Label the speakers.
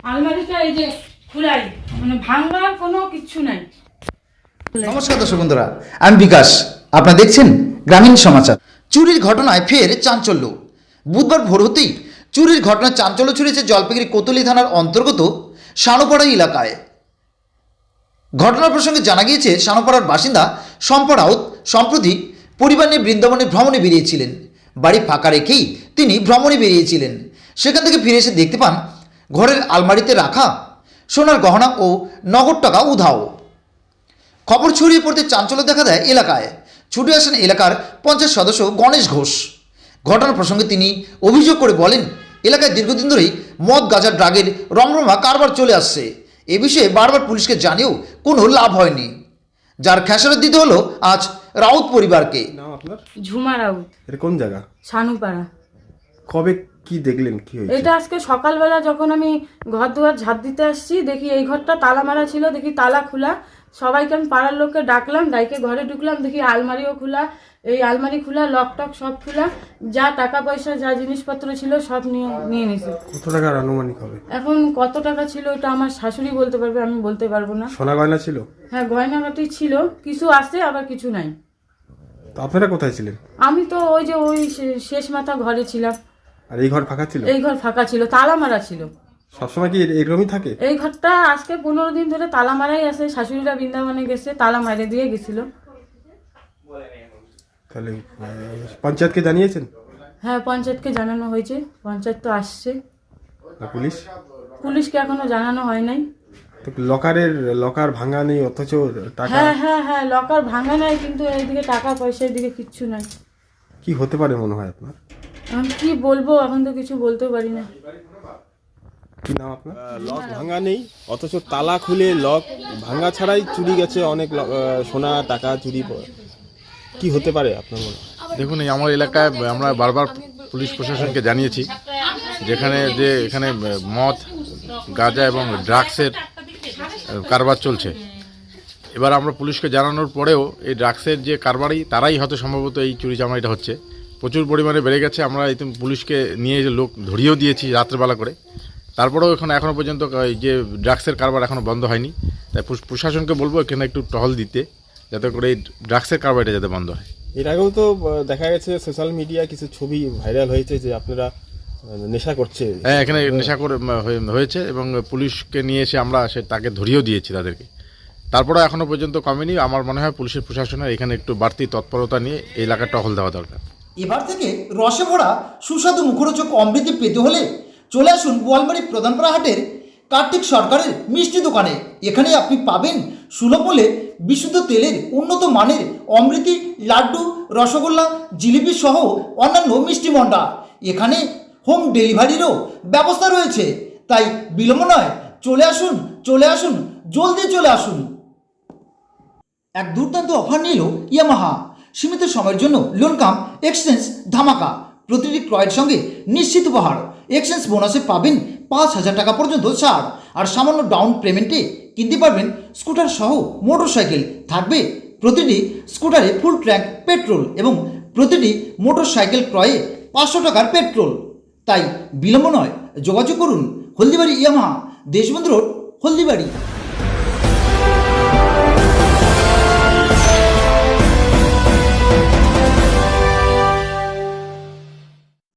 Speaker 1: আলমারিটা এই যে খুলাই, মানে ভাঙবার কোনো কিছু নাই।
Speaker 2: নমস্কার দর্শক বন্ধুরা, আমি বিকাশ। আপনারা দেখছেন গ্রামীণ সমাচার। চুরির ঘটনায় ফের চাঞ্চল্য। বুধবার ভোর হতেই চুরির ঘটনায় চাঞ্চল্য ছড়িয়েছে জলপাইগুড়ি কোতোলি থানার অন্তর্গত সানোপাড়া এলাকায়। ঘটনার প্রসঙ্গে জানা গিয়েছে, সানোপাড়ার বাসিন্দা শম্পা রাউত সম্প্রতি পরিবার নিয়ে বৃন্দাবনে ভ্রমণে বেরিয়েছিলেন। বাড়ি ফাঁকা রেখেই তিনি ভ্রমণে বেরিয়েছিলেন। সেখান থেকে ফিরে এসে দেখতে পান ঘরের আলমারিতে রাখা সোনার গহনা ও নগদ টাকা উধাও। খবর ছড়িয়ে পড়তে চাঞ্চল্য দেখা দেয় এলাকায়। ছুটে আসেন এলাকার পঞ্চায়েত সদস্য গণেশ ঘোষ। ঘটনার প্রসঙ্গে তিনি অভিযোগ করে বলেন, এলাকায় দীর্ঘদিন ধরেই মদ গাঁজা ড্রাগের রমরমা কারবার চলে আসছে। এ বিষয়ে বারবার পুলিশকে জানিয়েও কোনো লাভ হয়নি, যার খেসারত দিতে হলো আজ রাউত পরিবারকে।
Speaker 3: নাম আপনার?
Speaker 1: ঝুমা রাউত।
Speaker 3: এটা কোন জায়গা?
Speaker 1: সানুপাড়া।
Speaker 3: কবে কি দেখলেন, কি হয়েছে?
Speaker 1: এটা আজকে সকালবেলা যখন আমি ঘর দুয়ার ঝাঁট দিতে আসছি, দেখি এই ঘরটা তালা মারা ছিল, দেখি তালা খোলা। সবাইকে আমি পাড়ার লোককে ডাকলাম, ডাইকে ঘরে ঢুকলাম, দেখি আলমারিও খোলা, এই আলমারি খোলা, লক টক সব খোলা, যা টাকা পয়সা যা জিনিসপত্র ছিল সব নিয়ে নিছে।
Speaker 3: কত টাকার আনুমানিক হবে?
Speaker 1: এখন কত টাকা ছিল ওটা আমার শাশুড়ি বলতে পারবে, আমি বলতে পারবো না।
Speaker 3: সোনা গয়না ছিল?
Speaker 1: হ্যাঁ, গয়নাগাটি ছিল, কিছু আছে আবার কিছু নাই।
Speaker 3: তো আপনারা কোথায় ছিলেন?
Speaker 1: আমি তো ওই যে ওই শেষ মাথা ঘরে ছিলাম।
Speaker 3: আর এই ঘর ফাঁকা ছিল?
Speaker 1: এই ঘর ফাঁকা ছিল, তালা মারা ছিল।
Speaker 3: সবসময় কি এরকমই থাকে?
Speaker 1: এই ঘরটা আজকে 15 দিন ধরে তালা মারাই আছে। শাশুড়িরা বৃন্দাবনে গেছে, তালা মারে দিয়ে গেছিল।
Speaker 3: তাহলে পঞ্চায়েতকে জানিয়েছেন?
Speaker 1: হ্যাঁ, পঞ্চায়েতকে জানানো হয়েছে, পঞ্চায়েত তো আসছে।
Speaker 3: আর পুলিশ?
Speaker 1: পুলিশকে এখনো জানানো হয় নাই।
Speaker 3: তো লকার ভাঙা নেই, অথচ টাকা?
Speaker 1: হ্যাঁ হ্যাঁ হ্যাঁ, লকার ভাঙা নাই, কিন্তু এইদিকে টাকা পয়সা এদিকে কিচ্ছু নাই।
Speaker 3: কি হতে পারে মনে হয় আপনার?
Speaker 1: আমি কি বলবো, এখন তো কিছু বলতেও পারি না।
Speaker 3: কি নাম আপনার? লক ভাঙা নেই, অথচ তালা খুলে লক ভাঙা ছাড়াই চুরি গেছে অনেক সোনা টাকা চুরি। কি হতে পারে আপনার মনে হয়?
Speaker 4: দেখুন, এই আমার এলাকায় আমরা বারবার পুলিশ প্রশাসনকে জানিয়েছি, এখানে মদ গাঁজা এবং ড্রাগসের কারবার চলছে। এবার আমরা পুলিশকে জানানোর পরেও এই ড্রাগসের যে কারবারি তারাই হয়তো সম্ভবত এই চুরি চামারিটা হচ্ছে। প্রচুর পরিমাণে বেড়ে গেছে। আমরা পুলিশকে নিয়ে লোক ধরিয়েও দিয়েছি রাত্রেবেলা করে। তারপরেও এখনও পর্যন্ত এই যে ড্রাগসের কারবার এখনও বন্ধ হয়নি। তাই প্রশাসনকে বলবো এখানে একটু টহল দিতে, যাতে করে এই ড্রাগসের কারবারটা যাতে বন্ধ হয়।
Speaker 3: এর আগেও তো দেখা গেছে সোশ্যাল মিডিয়া কিছু ছবি ভাইরাল হয়েছে যে আপনারা নেশা করছে।
Speaker 4: হ্যাঁ, এখানে নেশা করে হয়েছে এবং পুলিশকে নিয়ে এসে আমরা তাকে ধরিয়েও দিয়েছি তাদেরকে। তারপরেও এখনও পর্যন্ত কমেনি। আমার মনে হয় পুলিশের প্রশাসনের এখানে একটু বাড়তি তৎপরতা নিয়ে এই এলাকার টহল দেওয়া দরকার।
Speaker 2: এবার থেকে রসে ভরা সুস্বাদু মুখরোচক অমৃতি পেতে হলে চলে আসুন বোয়ালমারী প্রধানপাড়া হাটের কার্তিক সরকারের মিষ্টি দোকানে। এখানে আপনি পাবেন সুলভ মূল্যে বিশুদ্ধ তেলের উন্নত মানের অমৃতি, লাড্ডু, রসগোল্লা, জিলিপি সহ অন্যান্য মিষ্টি মন্ডা। এখানে হোম ডেলিভারিরও ব্যবস্থা রয়েছে। তাই বিলম্ব নয়, চলে আসুন, জলদি চলে আসুন। এক দুর্দান্ত অফার নিল ইয়ামাহা। সীমিত সময়ের জন্য লোন কাম এক্সচেঞ্জ ধামাকা। প্রতিটি ক্রয়ের সঙ্গে নিশ্চিত উপহার। এক্সচেঞ্জ বোনাসে পাবেন 5,000 টাকা পর্যন্ত ছাড়। আর সামান্য ডাউন পেমেন্টে কিনতে পারবেন স্কুটার সহ মোটরসাইকেল। থাকবে প্রতিটি স্কুটারে ফুল ট্যাঙ্ক পেট্রোল এবং প্রতিটি মোটরসাইকেল ক্রয়ে 500 টাকার পেট্রোল। তাই বিলম্ব নয়, যোগাযোগ করুন হলদিবাড়ি ইয়ামাহা, দেশবন্ধু রোড, হলদিবাড়ি।